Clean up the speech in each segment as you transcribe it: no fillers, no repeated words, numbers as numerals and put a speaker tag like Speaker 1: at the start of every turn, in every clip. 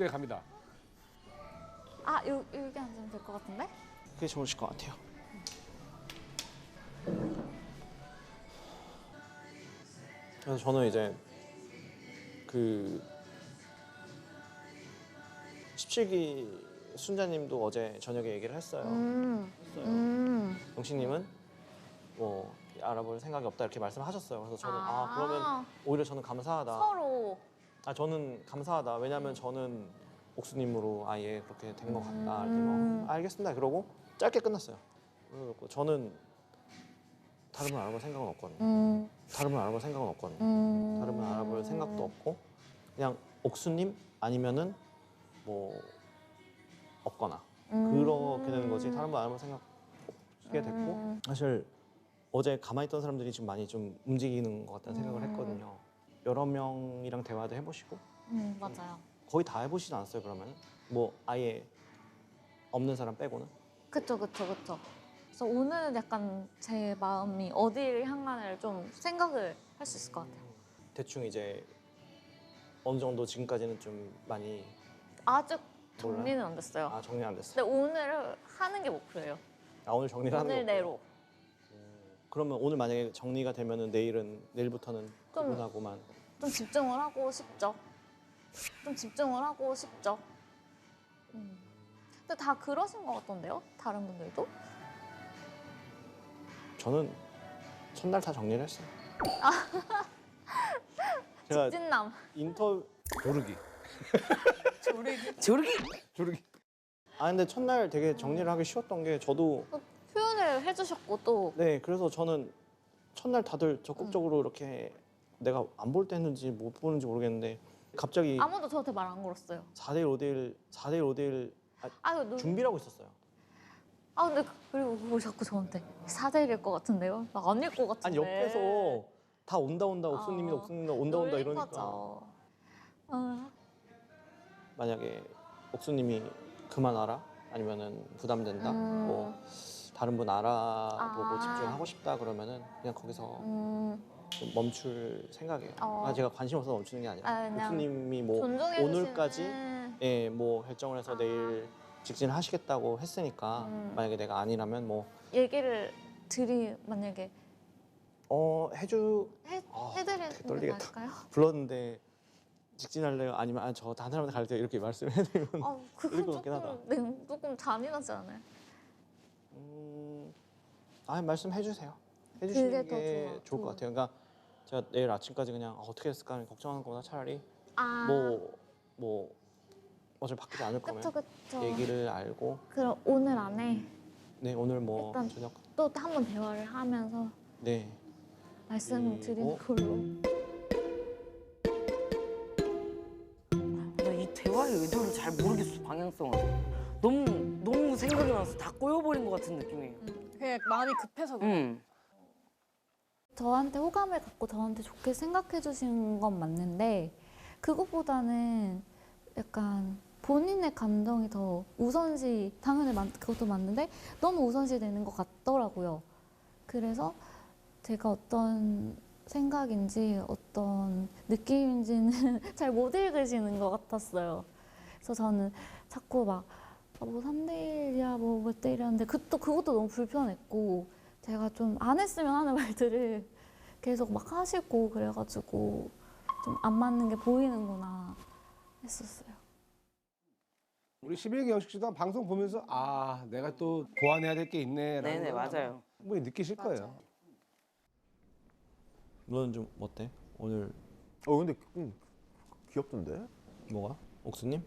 Speaker 1: 때 갑니다.
Speaker 2: 아, 여기 앉으면 될 것 같은데?
Speaker 3: 그게 좋으실 것 같아요. 그래서 저는 이제 그 17기 순자님도 어제 저녁에 얘기를 했어요. 영식님은 뭐 알아볼 생각이 없다 이렇게 말씀하셨어요. 그래서 저는 그러면 오히려 저는 감사하다.
Speaker 2: 서로.
Speaker 3: 저는 감사하다. 왜냐면 저는 옥수님으로 아예 그렇게 된 것 같다. 이렇게 뭐 알겠습니다. 그러고 짧게 끝났어요. 그리고 저는 다른 분 알아볼 생각은 없거든요. 다른 분 알아볼 생각은 없거든요. 다른 분 알아볼 생각도 없고 그냥 옥수님 아니면은 뭐 없거나 그렇게 되는 거지. 다른 분 알아볼 생각 없게 됐고 사실 어제 가만히 있던 사람들이 지금 많이 좀 움직이는 것 같다는 생각을 했거든요. 여러 명이랑 대화도 해보시고
Speaker 2: 맞아요.
Speaker 3: 거의 다 해보시지 않았어요 그러면? 뭐 아예 없는 사람 빼고는?
Speaker 2: 그쵸. 그래서 오늘은 약간 제 마음이 어디를 향하는를 좀 생각을 할 수 있을 것 같아요.
Speaker 3: 대충 이제 어느 정도 지금까지는 좀 많이
Speaker 2: 아직 정리는 안 됐어요.
Speaker 3: 정리 안 됐어요.
Speaker 2: 근데 오늘은 하는 게 목표예요.
Speaker 3: 오늘 정리를 하는
Speaker 2: 오늘
Speaker 3: 거고요.
Speaker 2: 내로.
Speaker 3: 그러면 오늘 만약에 정리가 되면은 내일부터는 그분하고만
Speaker 2: 좀 집중을 하고 싶죠. 근데 다 그러신 것 같던데요? 다른 분들도?
Speaker 3: 저는 첫날 다 정리를 했어요. 제가
Speaker 2: 직진남.
Speaker 1: 조르기. 조르기.
Speaker 3: 근데 첫날 되게 정리를 하기 쉬웠던 게 저도
Speaker 2: 표현을 해주셨고 또
Speaker 3: 네 그래서 저는 첫날 다들 적극적으로 이렇게 내가 안 볼 때 했는지 못 보는지 모르겠는데 갑자기
Speaker 2: 아무도 저한테 말 안 걸었어요.
Speaker 3: 4대1 5대1 준비를 하고 있었어요.
Speaker 2: 근데 그리고 그거 자꾸 저한테 4대1일 것 같은데요? 나 아닐 것 같은데.
Speaker 3: 아니 옆에서 다 온다 옥수님이 온다
Speaker 2: 놀린
Speaker 3: 이러니까
Speaker 2: 거죠.
Speaker 3: 만약에 옥수님이 그만 와라 아니면은 부담된다 뭐 다른 분 알아보고 집중하고 싶다 그러면은 그냥 거기서 좀 멈출 생각이에요. 제가 관심 없어서 멈추는 게 아니라 옥수님이 뭐
Speaker 2: 존중해
Speaker 3: 오늘까지
Speaker 2: 주시는...
Speaker 3: 뭐 결정을 해서 내일 직진을 하시겠다고 했으니까 만약에 내가 아니라면 뭐
Speaker 2: 얘기를 만약에 해드리는 게
Speaker 3: 떨리겠다.
Speaker 2: 나을까요?
Speaker 3: 불렀는데 직진할래요? 아니면 저 다른 사람한테 갈게요 이렇게 말씀해드리면
Speaker 2: 그건
Speaker 3: 것 같긴 하다.
Speaker 2: 조금 잔인하지 않아요?
Speaker 3: 말씀해주세요.
Speaker 2: 그게
Speaker 3: 해주시는
Speaker 2: 더
Speaker 3: 게 좋을 것 같아요. 그러니까 제가 내일 아침까지 그냥 어떻게 했을까 걱정하는 것보다 차라리 뭐 어차피 바뀌지 않을 거면
Speaker 2: 그쵸.
Speaker 3: 얘기를 알고
Speaker 2: 그럼 오늘 안에
Speaker 3: 네 오늘 뭐
Speaker 2: 일단
Speaker 3: 저녁
Speaker 2: 또 한 번 대화를 하면서
Speaker 3: 네
Speaker 2: 말씀드리는 걸로.
Speaker 4: 나 이 대화의 의도를 잘 모르겠어, 방향성을. 너무 생각이 나서 다 꼬여버린 것 같은 느낌이에요.
Speaker 5: 그냥 마음이 급해서 그래.
Speaker 2: 저한테 호감을 갖고 저한테 좋게 생각해 주신 건 맞는데 그것보다는 약간 본인의 감정이 더 우선시 당연히 그것도 맞는데 너무 우선시 되는 것 같더라고요. 그래서 제가 어떤 생각인지 어떤 느낌인지는 잘 못 읽으시는 것 같았어요. 그래서 저는 자꾸 뭐 3대1이야 뭐 몇 대 1 하는데 그것도 너무 불편했고 제가 좀 안 했으면 하는 말들을 계속 막 하시고 그래가지고 좀 안 맞는 게 보이는구나 했었어요.
Speaker 1: 우리 11기 영식 씨도 방송 보면서 내가 또 보완해야 될 게 있네.
Speaker 4: 네네, 맞아요.
Speaker 1: 뭐 느끼실 거예요.
Speaker 3: 너는 좀 어때? 오늘
Speaker 6: 근데 귀엽던데?
Speaker 3: 뭐가? 옥수님?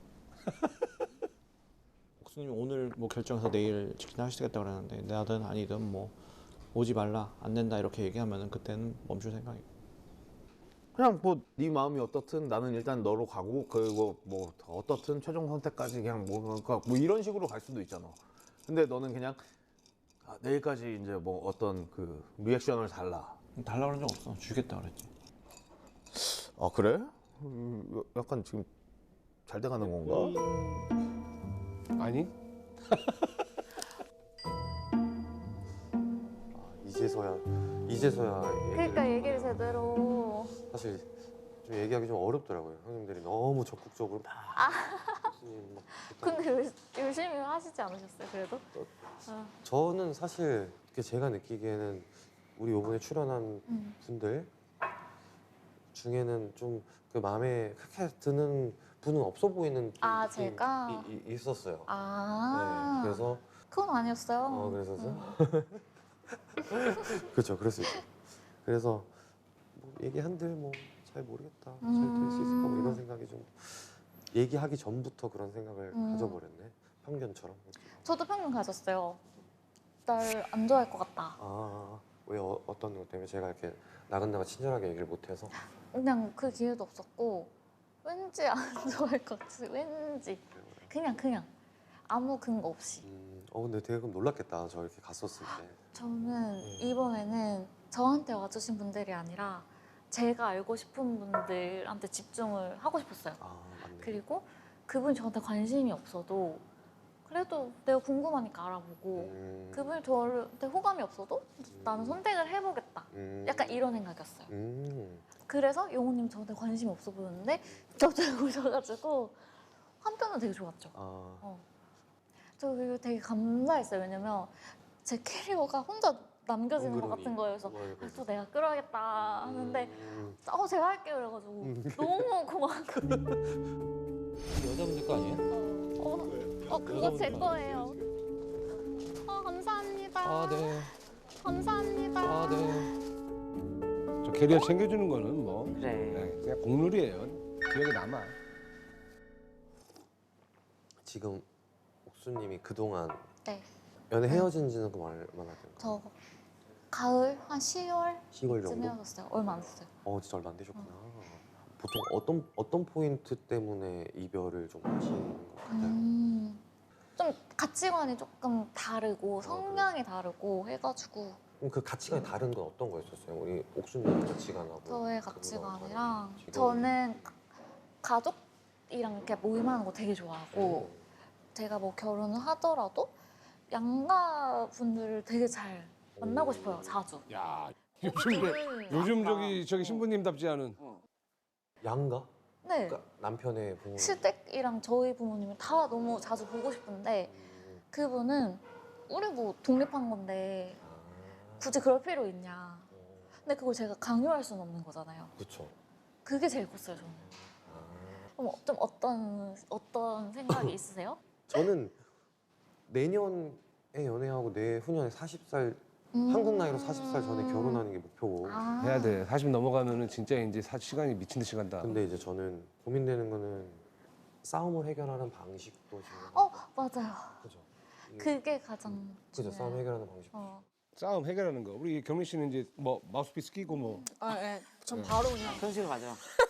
Speaker 3: 옥수님 오늘 뭐 결정해서 내일 직진하시겠다 그러는데 나든 아니든 뭐 오지 말라 안 된다 이렇게 얘기하면은 그때는 멈출 생각이고
Speaker 6: 그냥 뭐 네 마음이 어떻든 나는 일단 너로 가고 그리고 뭐 어떻든 최종 선택까지 그냥 그러니까 뭐 이런 식으로 갈 수도 있잖아. 근데 너는 그냥 내일까지 이제 뭐 어떤 그 리액션을 달라
Speaker 3: 그런 적 없어. 주겠다 그랬지.
Speaker 6: 그래? 약간 지금 잘 돼가는 건가?
Speaker 1: 아니?
Speaker 7: 이제서야
Speaker 2: 그러니까 얘기를 제대로.
Speaker 7: 사실 좀 얘기하기 좀 어렵더라고요. 형님들이 너무 적극적으로 막 옥수님 막
Speaker 2: 근데 열심히 하시지 않으셨어요? 그래도? 아,
Speaker 7: 저는 사실 이렇게 제가 느끼기에는 우리 이번에 출연한 분들 중에는 좀 그 마음에 크게 드는 분은 없어 보이는 좀
Speaker 2: 아,
Speaker 7: 느낌이
Speaker 2: 제가?
Speaker 7: 있었어요.
Speaker 2: 아,
Speaker 7: 네, 그래서
Speaker 2: 그건 아니었어요.
Speaker 7: 그래서요? 그렇죠, 그럴 수 있죠. 그래서 뭐 얘기한들 뭐 잘 모르겠다, 잘 될 수 있을까 뭐 이런 생각이 좀 얘기하기 전부터 그런 생각을 가져버렸네. 편견처럼.
Speaker 2: 저도 평균 가졌어요. 날 안 좋아할 것 같다.
Speaker 7: 왜 어떤 것 때문에 제가 이렇게 나간다가 친절하게 얘기를 못해서
Speaker 2: 그냥 그 기회도 없었고 왠지 안 좋아할 것 같아서 왠지 그냥 아무 근거 없이.
Speaker 7: 근데 되게 그럼 놀랐겠다. 저 이렇게 갔었을 때.
Speaker 2: 저는 이번에는 저한테 와주신 분들이 아니라 제가 알고 싶은 분들한테 집중을 하고 싶었어요.
Speaker 7: 맞네.
Speaker 2: 그리고 그분이 저한테 관심이 없어도 그래도 내가 궁금하니까 알아보고 그분이 저한테 호감이 없어도 나는 선택을 해보겠다. 약간 이런 생각이었어요. 그래서 영호님 저한테 관심이 없어 보였는데 갑자기 오셔가지고 한편은 되게 좋았죠. 저 그리고 되게 감사했어요. 왜냐면 제 캐리어가 혼자 남겨지는 것 같은 거예요. 그래서 또 내가 끌어야겠다 하는데 제가 할게요 그래가지고 너무 고마웠거든요.
Speaker 8: 여자분들 거 아니에요?
Speaker 2: 그거 제 거예요. 감사합니다.
Speaker 8: 아, 네.
Speaker 2: 감사합니다.
Speaker 8: 아, 네.
Speaker 1: 저 캐리어 챙겨주는 거는 뭐
Speaker 4: 그래.
Speaker 1: 네, 그냥 공룰이에요. 기억에 남아.
Speaker 7: 지금 옥수님이 그동안
Speaker 2: 네.
Speaker 7: 연애 헤어진 지는 그럼 얼마나 된 거예요?
Speaker 2: 저 가을 한 10월쯤
Speaker 7: 10월 정도?
Speaker 2: 헤어졌어요. 얼마 안 됐어요.
Speaker 7: 진짜 얼마 안 되셨구나. 보통 어떤 포인트 때문에 이별을 좀 하시는 것 같아요?
Speaker 2: 좀 가치관이 조금 다르고 성향이 다르고 해가지고
Speaker 7: 그럼 그 가치관이 다른 건 어떤 거였었어요? 우리 옥수님 가치관하고
Speaker 2: 저의
Speaker 7: 그거랑
Speaker 2: 가치관이랑
Speaker 7: 다른 지금-
Speaker 2: 저는 가족이랑 이렇게 모임하는 거 되게 좋아하고 제가 뭐 결혼을 하더라도 양가 분들을 되게 잘 만나고 싶어요. 자주.
Speaker 1: 야 요즘 저기 신부님답지 않은.
Speaker 7: 양가?
Speaker 2: 네.
Speaker 7: 그러니까 남편의 부모.
Speaker 2: 시댁이랑 저희 부모님을 다 너무 자주 보고 싶은데 그분은 우리 뭐 독립한 건데 굳이 그럴 필요 있냐. 근데 그걸 제가 강요할 수는 없는 거잖아요.
Speaker 7: 그렇죠.
Speaker 2: 그게 제일 컸어요, 저는. 그럼 좀 어떤 생각이 있으세요?
Speaker 7: 저는 내년에 연애하고 내후년에 40살 한국 나이로 40살 전에 결혼하는 게 목표고.
Speaker 2: 아.
Speaker 1: 해야 돼. 40 넘어가면은 진짜 이제 시간이 미친 듯이 간다.
Speaker 7: 근데 이제 저는 고민되는 거는 싸움을 해결하는 방식도 지금.
Speaker 2: 맞아요.
Speaker 7: 그죠.
Speaker 2: 그게 가장
Speaker 7: 그죠.
Speaker 2: 중요해요.
Speaker 7: 싸움 해결하는 방식.
Speaker 1: 싸움 해결하는 거. 우리 경민 씨는 이제 뭐 마우스피스 끼고 뭐
Speaker 5: 네. 전 바로 그냥
Speaker 4: 현실 가자.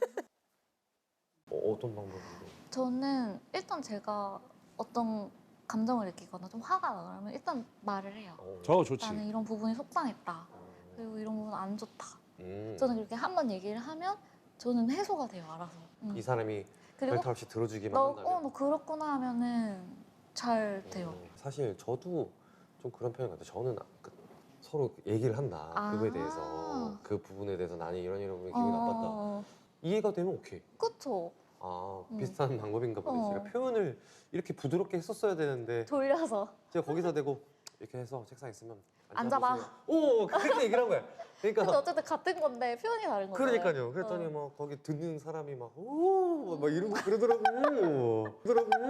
Speaker 7: 어떤 방법으로?
Speaker 2: 저는 일단 제가 어떤 감정을 느끼거나 좀 화가 나면 일단 말을 해요.
Speaker 1: 저 좋지.
Speaker 2: 나는 이런 부분이 속상했다. 그리고 이런 부분 안 좋다.
Speaker 7: 음.
Speaker 2: 저는 그렇게 한 번 얘기를 하면 저는 해소가 돼요, 알아서.
Speaker 7: 이 사람이
Speaker 2: 그리고
Speaker 7: 별탈 없이 들어주기만
Speaker 2: 너
Speaker 7: 한다면.
Speaker 2: 그렇구나 하면은 잘 돼요.
Speaker 7: 사실 저도 좀 그런 편인 것 같아요. 저는 서로 얘기를 한다. 그거에 대해서 그 부분에 대해서 나는 이런 부분이 기분이 나빴다. 이해가 되면 오케이.
Speaker 2: 그쵸.
Speaker 7: 비슷한 방법인가 보네. 제가 표현을 이렇게 부드럽게 했었어야 되는데
Speaker 2: 돌려서.
Speaker 7: 제가 거기서 대고 이렇게 해서 책상에 있으면
Speaker 2: 앉아봐.
Speaker 7: 오 그렇게 얘기를 한 거야.
Speaker 2: 근데
Speaker 7: 그러니까
Speaker 2: 어쨌든 같은 건데 표현이 다른 거잖아요.
Speaker 7: 그러니까요. 그랬더니 막 거기 듣는 사람이 막 이런 거 그러더라고.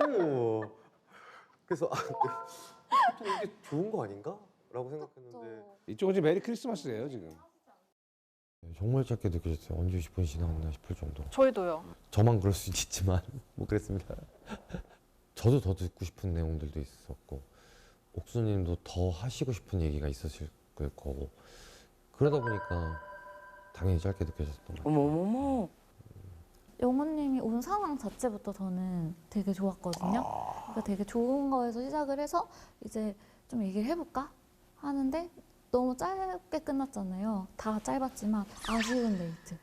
Speaker 7: 그래서 보통 이게 좋은 거 아닌가? 라고 생각했는데
Speaker 1: 이쪽은 지금 메리 크리스마스예요 지금.
Speaker 7: 정말 짧게 느껴졌어요. 언제 10분이 지나갔나 싶을 정도.
Speaker 5: 저희도요.
Speaker 7: 저만 그럴 수 있지만 뭐 그랬습니다. 저도 더 듣고 싶은 내용들도 있었고 옥수님도 더 하시고 싶은 얘기가 있었을 거고 그러다 보니까 당연히 짧게 느껴졌던 것 같아요.
Speaker 4: 어머머머.
Speaker 2: 영호님이 온 상황 자체부터 저는 되게 좋았거든요. 그러니까 되게 좋은 거에서 시작을 해서 이제 좀 얘기를 해볼까 하는데 너무 짧게 끝났잖아요. 다 짧았지만 아쉬운 데이트.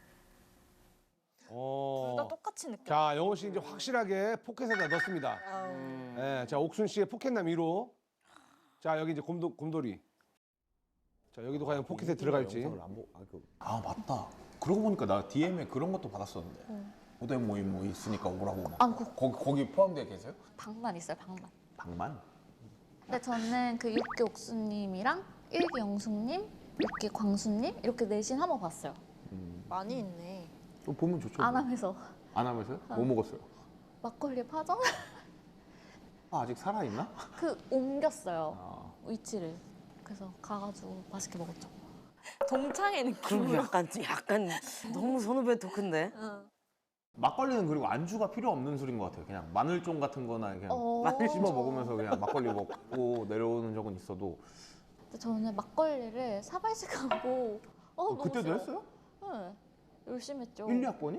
Speaker 5: 둘 다 똑같이 느껴.
Speaker 1: 자, 영호 씨 이제 확실하게 포켓에다 넣습니다. 네, 자, 옥순 씨의 포켓남 1호. 자, 여기 이제 곰돌이. 자, 여기도 과연 포켓에 들어갈지.
Speaker 6: 아 맞다. 그러고 보니까 나 DM에 그런 것도 받았었는데. 고대 모임 뭐 있으니까 오라고 막.
Speaker 2: 아,
Speaker 6: 거기 포함되어 계세요?
Speaker 2: 방만 있어요, 방만.
Speaker 6: 방만?
Speaker 2: 근데 저는 그 6기 옥수님이랑 1기 영숙님, 6기 광수님 이렇게 넷인 한번 봤어요.
Speaker 5: 많이 있네.
Speaker 6: 보면 좋죠.
Speaker 2: 안 하면서
Speaker 6: 안 하면서요? 뭐 먹었어요?
Speaker 2: 막걸리 파전?
Speaker 6: 아, 아직 살아있나?
Speaker 2: 그 옮겼어요,
Speaker 6: 아.
Speaker 2: 위치를. 그래서 가가지고 맛있게 먹었죠.
Speaker 5: 동창의
Speaker 4: 그럼
Speaker 5: 느낌으로.
Speaker 4: 약간 너무 선후배 토크인데.
Speaker 6: 막걸리는 그리고 안주가 필요 없는 술인 것 같아요. 그냥 마늘종 같은 거나 그냥
Speaker 2: 마늘
Speaker 6: 씹어 먹으면서 그냥 막걸리 먹고 내려오는 적은 있어도
Speaker 2: 근데 저는 막걸리를 사발식하고 너무
Speaker 6: 그때도
Speaker 2: 싫어요.
Speaker 6: 했어요?
Speaker 2: 네, 열심히 했죠.
Speaker 6: 1, 2학번이?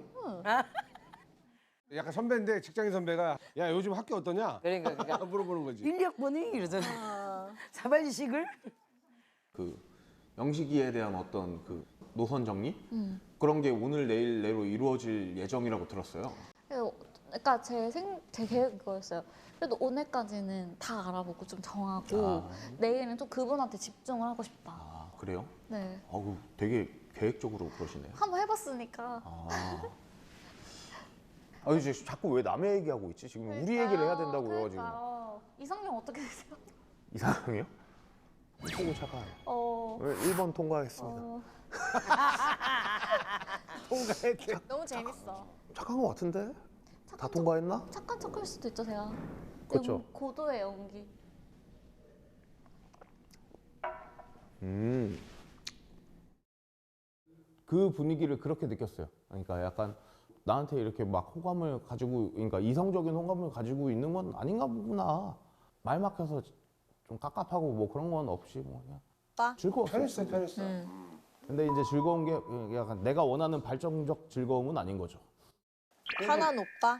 Speaker 1: 약간 선배인데 직장인 선배가 야 요즘 학교 어떠냐?
Speaker 4: 그러니까
Speaker 1: 물어보는 거지.
Speaker 4: 1, 2학번이 이러잖아. 사발식을?
Speaker 6: 그 영식이에 대한 어떤 그 노선 정리?
Speaker 2: 음.
Speaker 6: 그런 게 오늘 내일 내로 이루어질 예정이라고 들었어요.
Speaker 2: 그러니까 제 계획 그거였어요. 그래도 오늘까지는 다 알아보고 좀 정하고 내일은 좀 그분한테 집중을 하고 싶다.
Speaker 6: 아, 그래요?
Speaker 2: 네,
Speaker 6: 아우, 되게 계획적으로 그러시네요.
Speaker 2: 한번 해봤으니까.
Speaker 6: 이제 자꾸 왜 남의 얘기하고 있지? 지금 우리 얘기를 해야 된다고요, 지금.
Speaker 2: 그러니까요. 이성형 어떻게 되세요?
Speaker 6: 이상형이요? 최고 착한. 1번 통과하겠습니다.
Speaker 1: 통과했대.
Speaker 5: 너무 재밌어.
Speaker 6: 착한 것 같은데? 다
Speaker 2: 착한
Speaker 6: 통과했나?
Speaker 2: 착한 척할 수도 있죠, 제가.
Speaker 6: 그쵸.
Speaker 2: 고도의 연기.
Speaker 6: 그 분위기를 그렇게 느꼈어요. 그러니까 약간 나한테 이렇게 막 호감을 가지고, 그러니까 이성적인 호감을 가지고 있는 건 아닌가 보구나. 말 막혀서 좀 깝깝하고 뭐 그런 건 없이 뭐 그냥
Speaker 5: 오빠?
Speaker 6: 즐거웠어요.
Speaker 1: 편했어, 편했어.
Speaker 6: 근데 이제 즐거운 게 약간 내가 원하는 발전적 즐거움은 아닌 거죠.
Speaker 5: 편한 오빠?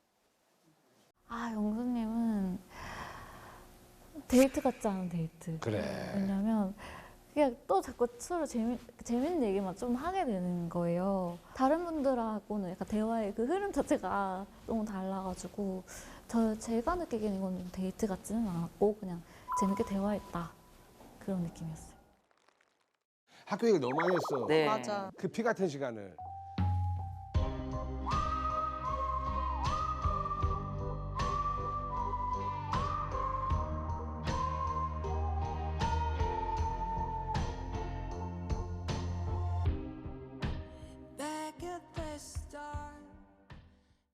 Speaker 2: 아, 영수님은 데이트 같지 않은 데이트.
Speaker 1: 그래.
Speaker 2: 왜냐면 그냥 또 자꾸 서로 재밌는 얘기만 좀 하게 되는 거예요. 다른 분들하고는 약간 대화의 그 흐름 자체가 너무 달라가지고 제가 느끼기에는 이건 데이트 같지는 않았고 그냥 재밌게 대화했다 그런 느낌이었어요.
Speaker 1: 학교 얘기 너무 많이 했어.
Speaker 4: 네.
Speaker 5: 맞아.
Speaker 1: 그 피 같은 시간을.